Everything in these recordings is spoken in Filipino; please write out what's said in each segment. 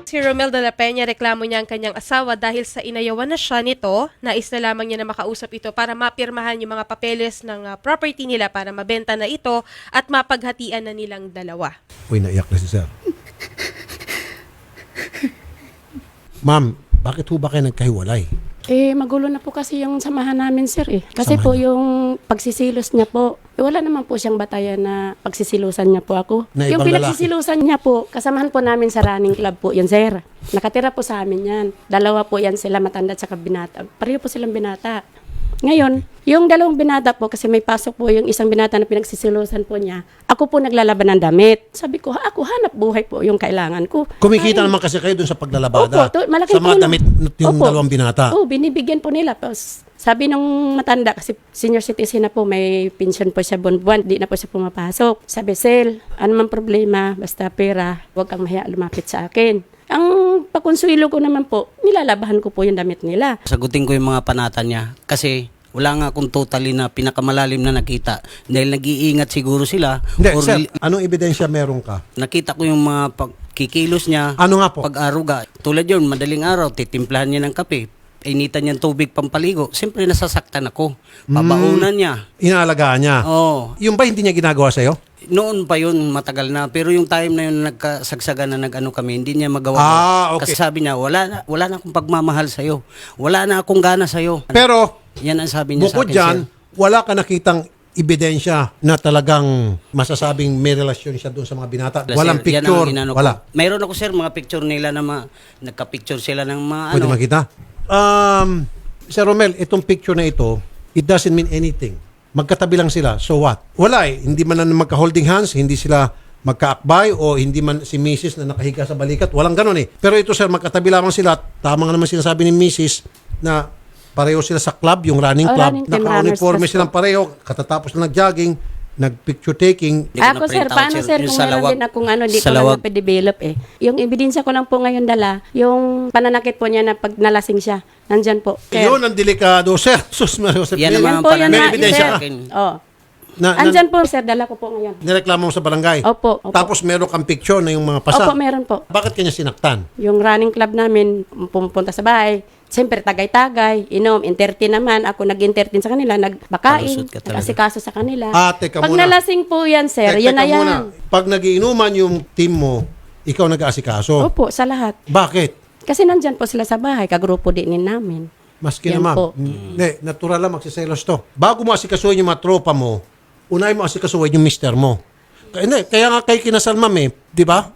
Si Romel de la Peña, reklamo niya ang kanyang asawa dahil sa inayawan na siya nito, nais na lamang niya na makausap ito para mapirmahan yung mga papeles ng property nila para mabenta na ito at mapaghatian na nilang dalawa. Uy, naiyak na si sir. Ma'am, bakit ho ba kayo nagkahiwalay? Magulo na po kasi yung samahan namin, sir eh. Kasi po yung pagsisilos niya po, wala naman po siyang batayan na pagsisilusan niya po ako. Na Yung ibang pinagsisilusan niya po, kasamahan po namin sa running club po yun, sir. Nakatira po sa amin yan. Dalawa po yan sila, matanda at saka binata. Pareho po silang binata. Ngayon, yung dalawang binata po, kasi may pasok po yung isang binata na pinagsisilusan po niya, ako po naglalaban ng damit. Sabi ko, ako hanap buhay po yung kailangan ko. Kumikita naman kasi kayo dun sa paglalabada. Opo, malaking sa mga tulong. damit yung Opo. dalawang binata. Oo, binibigyan po nila. Tapos, sabi nung matanda, kasi senior citizen na po, may pension po siya buwan-buwan, di na po siya pumapasok. Sabi, Sel, ano man problema, basta pera, huwag kang mahiya lumapit sa akin. Ang pakonsuelo ko naman po, nilalabahan ko po yung damit nila. Sagutin ko yung mga panata niya kasi wala nga akong totally na pinakamalalim na nakita. Dahil nag-iingat siguro sila. Hindi, or sir, anong ebidensya meron ka? nakita ko yung mga kikilos niya. Ano nga po? Pag-aruga. Tulad yun, madaling araw, titimplahan niya ng kape. Initan niya ng tubig pampaligo. Siyempre, nasasaktan ako. Pabaunan niya. Inaalagaan niya. Oo. Yung ba hindi niya ginagawa sa'yo? Noon pa yun, matagal na. Pero yung time na yun, nagkasagsagan na nag-ano kami, hindi niya magawa. Okay. Kasi sabi niya, wala na akong pagmamahal sa'yo. Wala na akong gana sa'yo. Pero, Yan ang sabi niya sa bukod akin, dyan, sir. wala ka nakitang ebidensya na talagang masasabing may relasyon siya doon sa mga binata. Walang Sir, yan picture. ang inano ko. Wala. Mayroon ako, sir, mga picture nila na nagka-picture sila ng mga Pwede ano. makita? Sir Romel, itong picture na ito, it doesn't mean anything. Magkatabi lang sila. So what? Wala eh. Hindi man na magka-holding hands, hindi sila magkaakbay o hindi man si Mrs. na nakahiga sa balikat. Walang ganun eh. Pero ito sir, magkatabi lamang sila. Tama nga naman sinasabi ni Mrs. na pareho sila sa club, yung running club. running team, Naka-uniforme runners silang pareho. Katatapos na nag-jogging, nag-picture taking. Hindi ko Ako sir, na-print out, paano sir Yung kung sa meron lawag. din akong ano, di Sa ko lang lawag. nape-develop eh. Yung ebidensya ko lang po ngayon dala, yung pananakit po niya na pag nalasing siya, nandyan po. Sir. Yun ang delikado, sir. Sus, Mario Joseph. Yan Yan naman Yan ang po yun May na, ebidensya sir. ka? Oh. na Andyan po sir, dala ko po ngayon. nireklamo mo sa barangay. Opo, opo. Tapos meron kang picture na yung mga pasa. Opo, meron po. Bakit kanya sinaktan? Yung running club namin, pumupunta sa bahay, siyempre tagay-tagay, inom, entertain naman. Ako nag-entertain sa kanila, nagbakain, Palusot ka talaga. nag-asikaso sa kanila. Teka Pag muna. nalasing po yan sir, yan Teka na yan. muna. Pag nagiinuman yung team mo, ikaw nag-aasikaso. Opo, sa lahat. Bakit? Kasi nandyan po sila sa bahay, kagrupo din namin. Maski Yan naman. po. Hindi, natural lang magsiselos to. Bago mo asikasuhin yung mga tropa mo, unay mo asikasuhin yung mister mo. Kaya nga kay kinasal ma'am eh, di ba?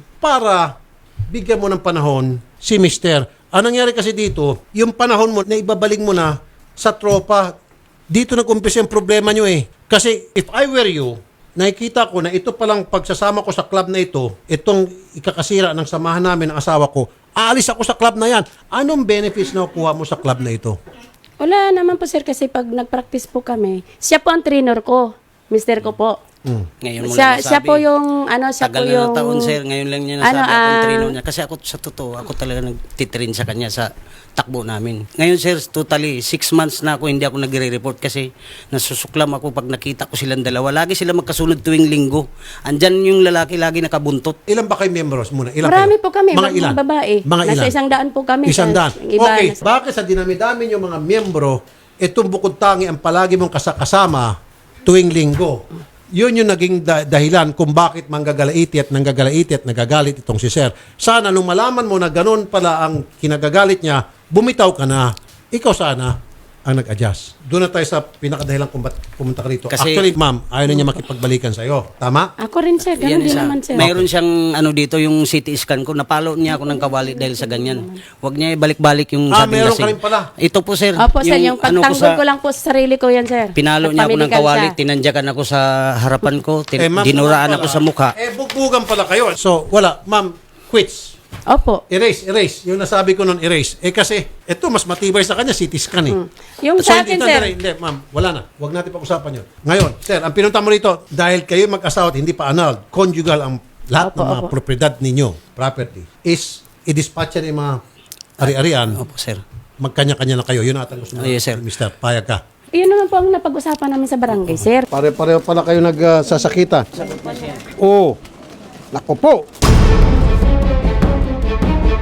Para bigyan mo ng panahon si mister. Anong nangyari kasi dito, yung panahon mo na ibabalik mo na sa tropa, dito nag-umpisa yung problema nyo eh. Kasi if I were you, nakikita ko na ito palang pagsasama ko sa club na ito, itong ikakasira ng samahan namin ng asawa ko, aalis ako sa club na yan. Anong benefits na kukuha mo sa club na ito? Wala naman po sir kasi pag nag-practice po kami, siya po ang trainer ko, mister ko po. Ngayon mo lang Siya nasabi. po yung ano, siya Tagal po na yung ng taon, sir. Ngayon lang niya nasabi akong trainer niya. Kasi ako, sa totoo, ako talaga nagtitrain sa kanya sa takbo namin. Ngayon, sir, totally, 6 months na ako, hindi ako nagre-report kasi nasusuklam ako pag nakita ko silang dalawa. Lagi sila magkasunod tuwing linggo. Andyan yung lalaki lagi nakabuntot. Ilan ba kayo members muna? Ilan Marami kayo? po kami, Mga ilan? mga babae. Mga Nasa ilan? 100 po kami. 100. Yung iba, Okay, nasa- bakit sa dinami-dami yung mga miyembro, itong bukod tangi ang palagi mong kasama tuwing linggo? Yun yung naging dahilan kung bakit manggagalaiti at nanggagalaiti at nagagalit itong si Sir. Sana nung malaman mo na ganun pala ang kinagagalit niya, bumitaw ka na. Ikaw sana ang nag-adjust. Doon na tayo sa pinakadahilan kung ba't pumunta ka rito. Kasi- Actually, ma'am, ayaw na niya makipagbalikan sa'yo. Tama? Ako rin sir, ganun din isa. naman sir. Mayroon siyang ano dito, yung CT scan ko. Napalo niya ako ng kawali dahil sa ganyan. Huwag niya ibalik-balik yung sabing meron ka lasing. rin pala. Ito po, sir. Opo sir, yung ano pagtanggol ko lang po sa sarili ko yan sir. Pinalo niya ako ng Nagpamedical kawali, siya. tinandyakan ako sa harapan ko, Ma'am, dinuraan naman ako pala. sa mukha. Bugbugan pala kayo. So, wala. Ma'am, quits. Opo. Erase. Yung nasabi ko nun, erase. Kasi, ito, mas matibay sa kanya, CT scan eh. Yung So, sa akin sir, Hindi, ma'am, wala na. Huwag natin pag-usapan yun. Ngayon, sir, ang pinunta mo rito, dahil kayo mag-asawa at hindi pa annulled, conjugal ang lahat ng mga Opo. propriedad ninyo, property, is i-dispatch yan yung mga ari-arian, Opo, sir. magkanya-kanya na kayo. Yun ata gusto mo, Yes, sir. Mister, payag ka. yun naman po ang napag-usapan namin sa barangay sir. Pare-pareho pala kayo nagsasakita. Oo. Nako po.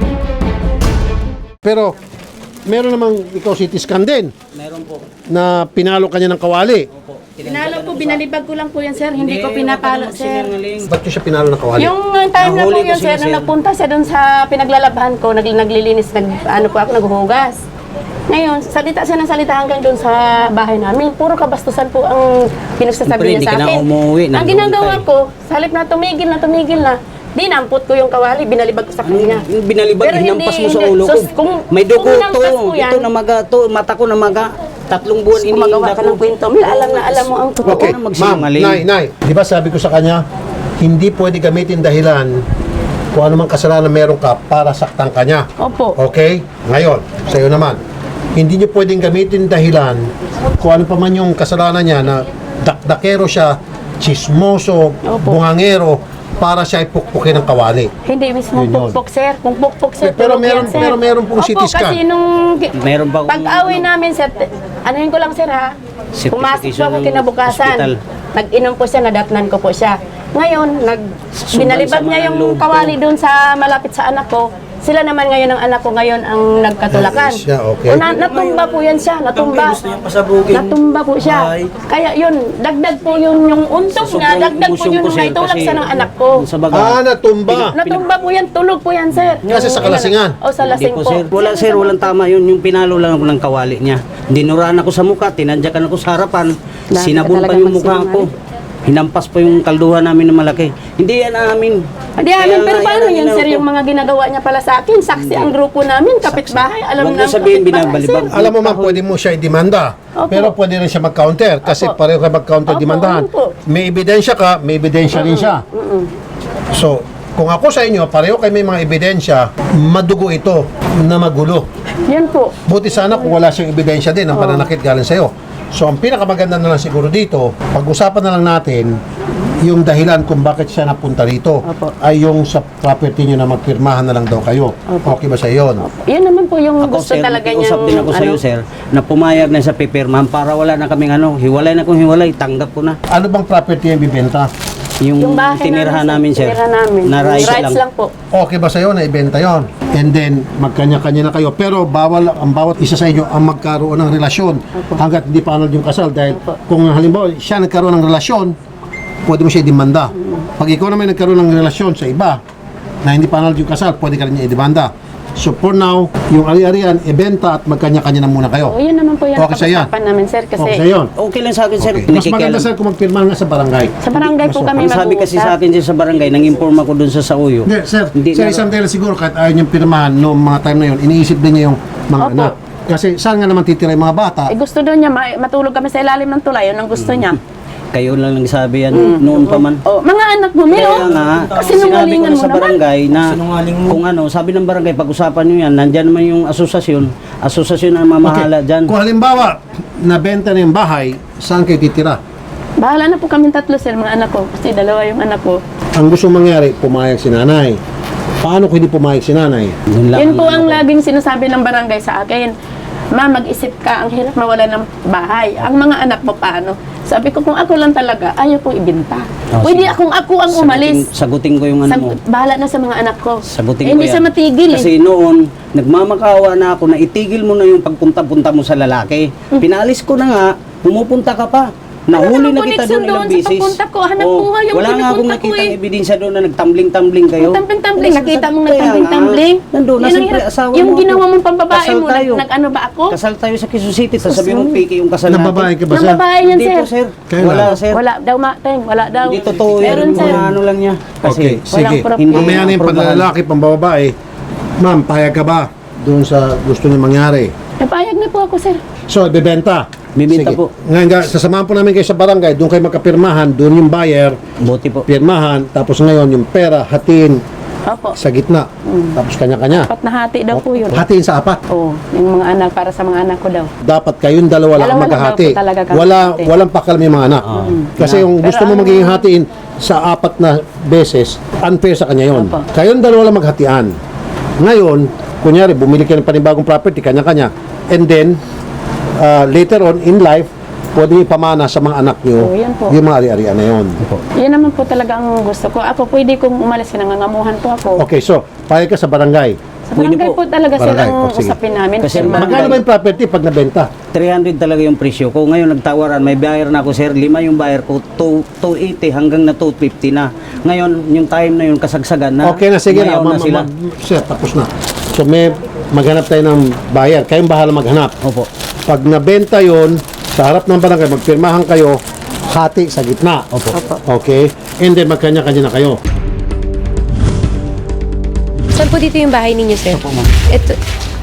Pero, meron namang ikaw CT scan din Meron po. na pinalo kanya ng kawali. Pinalo po, binalibag ko lang po yan, sir. Hindi ko pinapalo, sir. Ba't nyo siya pinalo ng kawali? Yung time na po Nahuli ko yun, sila, sir, nung sir. nagpunta siya doon sa pinaglalabahan ko, naglilinis, ano po ako, naghuhugas. Ngayon, salita siya ng salita hanggang doon sa bahay namin. Puro kabastusan po ang pinagsasabi Siyempre, niya sa hindi ka akin. na umuwi, Ang nandun ginagawa ka eh. ko, sa halip na tumigil na, dinampot ko yung kawali, binalibag ko sa kanya. Yung binalibag, Pero hinampas mo hindi- sa hindi. ulo ko. Sus, kung- May dugo kung to. hinampas ko yan- Ito namaga to. Mata ko namaga. 3 buwan Gumagawa iniinda ka ko. ng kwento. Mila, alam na alam mo ang totoo. Okay, Huwag ka na ma'am, magsinungaling. nay, di ba sabi ko sa kanya, hindi pwede gamitin dahilan kung ano mang kasalanan meron ka para saktan ka niya. Opo. Okay? Ngayon, sa iyo naman, hindi niyo pwedeng gamitin dahilan kung ano pa man yung kasalanan niya na dakdakero siya, chismoso, Opo. bungangero, para siya ay pukpukin ng kawali. Hindi mismo Yun yun. pukpok, sir. Kung pukpok, sir, Pero tulog meron- yan, sir. pero meron pong CT Opo, scan. kasi nung Meron ba akong- pag-away namin, sir, anuhin ko lang, sir, ha? Certification Pumasok po ako ng kinabukasan. hospital. Nag-inom po siya, nadatnan ko po siya. Ngayon, binalibag sama niya ng yung loob ko. kawali doon sa malapit sa anak ko. Sila naman ngayon ang anak ko ngayon ang nagkatulakan. Ay, siya, okay. O, natumba po yan siya, natumba. Gusto niya pasabugin. Natumba po siya. Ay. Kaya yun, dagdag po yun, yung untog niya, dagdag po yun yung naitulak sa ng anak ko. Sa baga. Natumba. Natumba po yan, tulog po yan, sir. Kasi sa kalasingan. O, sa Hindi lasing po, po. sir. Wala, sir. Walang tama yun. Yung pinalo lang ako ng kawali niya. Dinuraan ako sa mukha. Tinadyakan ako sa harapan. Dami Sinabon ka pa talagang yung mukha ko. Hinampas pa yung kalduhan namin na malaki. Hindi yan amin. Hindi amin, pero nga, paano yan ang yun, sir, inano ko. yung mga ginagawa niya pala sa akin? Saksi ang grupo namin, kapitbahay, alam Huwag na mo sabihin, kapitbahay, binabalibag. sir. Alam mo ma'am, pwede mo siya i-demanda. Opo. Pero pwede rin siya mag-counter. Kasi Opo. pareho kayo mag-counter Opo, demandahan. opo. May ebidensya ka, may ebidensya rin siya. So, kung ako sa inyo, pareho kayo may mga ebidensya, madugo ito na magulo. Yun po. Buti sana kung wala siyang ebidensya din ang pananakit galing sa'yo. So, ang pinakamaganda na lang siguro dito, pag-usapan na lang natin yung dahilan kung bakit siya napunta rito Opo. ay yung sa property niyo na magpirmahan na lang daw kayo. Opo. Okay ba sa yun? Yun naman po yung Ako, gusto sir, talaga niya. usap din ako sa iyo, sir, na pumayag na sa pipirmahan para wala na kaming hiwalay na kung hiwalay, tanggap ko na. Ano bang property yung bibenta? Yung, bahay tinirahan namin, sir. Tinirahan namin. Na rights lang. po. Okay ba sa'yo na ibenta yon? And then, magkanya-kanya na kayo. Pero bawal ang bawat isa sa inyo ang magkaroon ng relasyon hanggat hindi pa anod yung kasal. Dahil kung halimbawa siya nagkaroon ng relasyon, pwede mo siya idemanda. Pag ikaw naman nagkaroon ng relasyon sa iba na hindi pa anod yung kasal, pwede ka rin niya idemanda. So for now, yung ari-arian, ibenta at magkanya-kanya na muna kayo. O, yun naman po yung Okay sa yan. napag-usapan namin, sir, kasi Okay sa yun. Okay lang sa akin, sir. Okay. Mas maganda Nakikialam. sir kung magpirmahan nga sa barangay. sa barangay po kami Ang sabi kasi sa akin, sir, sa barangay, nang-inform ako dun sa Sauyo. Hindi, sir. Hindi Sir, na- isang dahil siguro kahit ayaw niyong pirmahan noong mga time na yun, iniisip din niya yung mga Opo. anak. Kasi saan nga naman titira yung mga bata? Eh, gusto doon niya, matulog kami sa ilalim ng tulay, yun ang gusto niya. Kayo lang nagsabi yan noon pa man. O, mga anak mo, Milo, Kaya nga, kasi sinabi ko nungalingan na mo sa naman. barangay na kung sabi ng barangay, pag-usapan nyo yan, nandyan naman yung asosasyon ang mamahala dyan. Kung halimbawa, nabenta na yung bahay, saan kayo titira? Bahala na po kami tatlo, sir, mga anak ko. Kasi dalawa yung anak ko. Ang gusto mangyari, pumayag si nanay. Paano kung hindi pumayag si nanay? Yun lang Yun po ang ano ko. laging sinasabi ng barangay sa akin. Ma, mag-isip ka, ang hirap mawala ng bahay. Ang mga anak mo paano? Sabi ko, kung ako lang talaga, ayaw kong ibinta. Oh, Pwede sige. ako ang umalis. Sagutin ko yung mo. Bahala na sa mga anak ko. Sagutin ko Hindi yan. siya matigil. Kasi noon, nagmamakawa na ako na itigil mo na yung pagpunta-punta mo sa lalaki. Pinalis ko na nga, pumupunta ka pa. Nahuli na namang kita connection doon ilang doon sa beses. pagpunta ko. Hanap buhay yung wala nga akong pinupunta ko nakita eh. ebidensya doon na nagtambling-tambling kayo. Tampling-tampling. Nakita mong Kaya nagtambling-tambling. nga, nandun na Yun ang siyempre, hirap. asawa Yung mo ginawa ako. mong pambabae Kasal mo, tayo. nag-ano ba ako? Kasal tayo sa Quezon City, tapos sabi mo, piki yung kasal Nang natin. babae ka ba, Nang sir? babae yan, Hindi sir. po, sir. Kailan? Wala, sir. Wala daw, Mateng. Wala daw. Hindi totoo yan. Meron, sir. Mga ano lang niya. Kasi, Okay, sige. proof. Hindi Mamaya na yung aprobahan. panlalaki, pambababae. Ma'am, payag ka ba doon sa gusto niyo mangyari? Napayag na po ako, sir. So, bibenta. Bibenta Sige. po. Ngayon, sasamahan po namin kayo sa barangay, doon kayo magkapirmahan, doon yung buyer, Buti po. pirmahan, tapos ngayon yung pera, hatiin Opo. sa gitna. Tapos kanya-kanya. Apat na hati daw po yun. Hatiin sa apat. Oo, yung mga anak, para sa mga anak ko daw. Dapat kayong dalawa lang Dalawa lang maghahati. daw po talaga kami hati. Walang pakalam yung mga anak. Kasi yung Pero gusto mo ano- magiging hatiin sa apat na beses, unfair sa kanya yon. Opo. Kayong dalawa lang maghatian. Ngayon, kunyari, bumili kayo ng panibagong property, kanya-kanya. And then, later on in life, pwede niyo ipamana sa mga anak niyo Oo, yan po. yung mga ari-arian na yun. Yan naman po talaga ang gusto ko. Ako, pwede kong umalis, nangangamuhan po ako. Okay, so, payag ka sa barangay. Sa barangay po talaga sir Barangay, ang sige. usapin namin. Kasi Sir, Magkano ba yung property pag nabenta? 300 talaga yung presyo ko. Ngayon nagtawaran, may buyer na ako sir. 5 yung buyer ko, 280 hanggang na 250 na. Ngayon, yung time na yun, kasagsagan na. Okay na, sige na. Ngayon sila. Sir, tapos na. So may maghanap tayo ng buyer. Kayong bahala maghanap. Opo. Pag nabenta yon sa harap ng barangay, magpirmahan kayo, hati sa gitna. Opo. Okay? And then magkanya-kanya na kayo. Saan po dito yung bahay ninyo, sir? Opo, ma'am. Ito.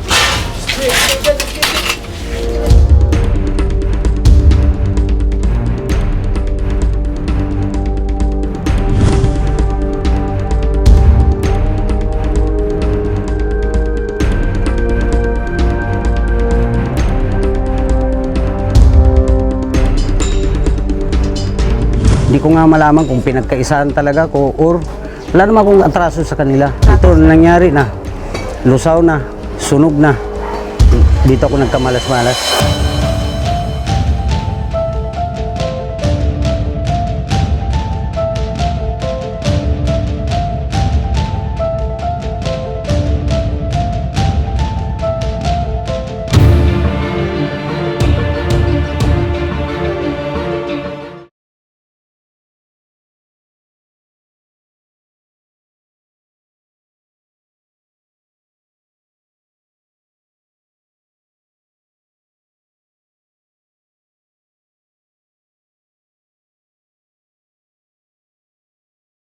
Hindi ko nga malaman kung pinagkaisahan talaga ko or wala naman akong atraso sa kanila. Ito nangyari na. Lusaw na. Sunog na. Dito ako nagkamalas-malas.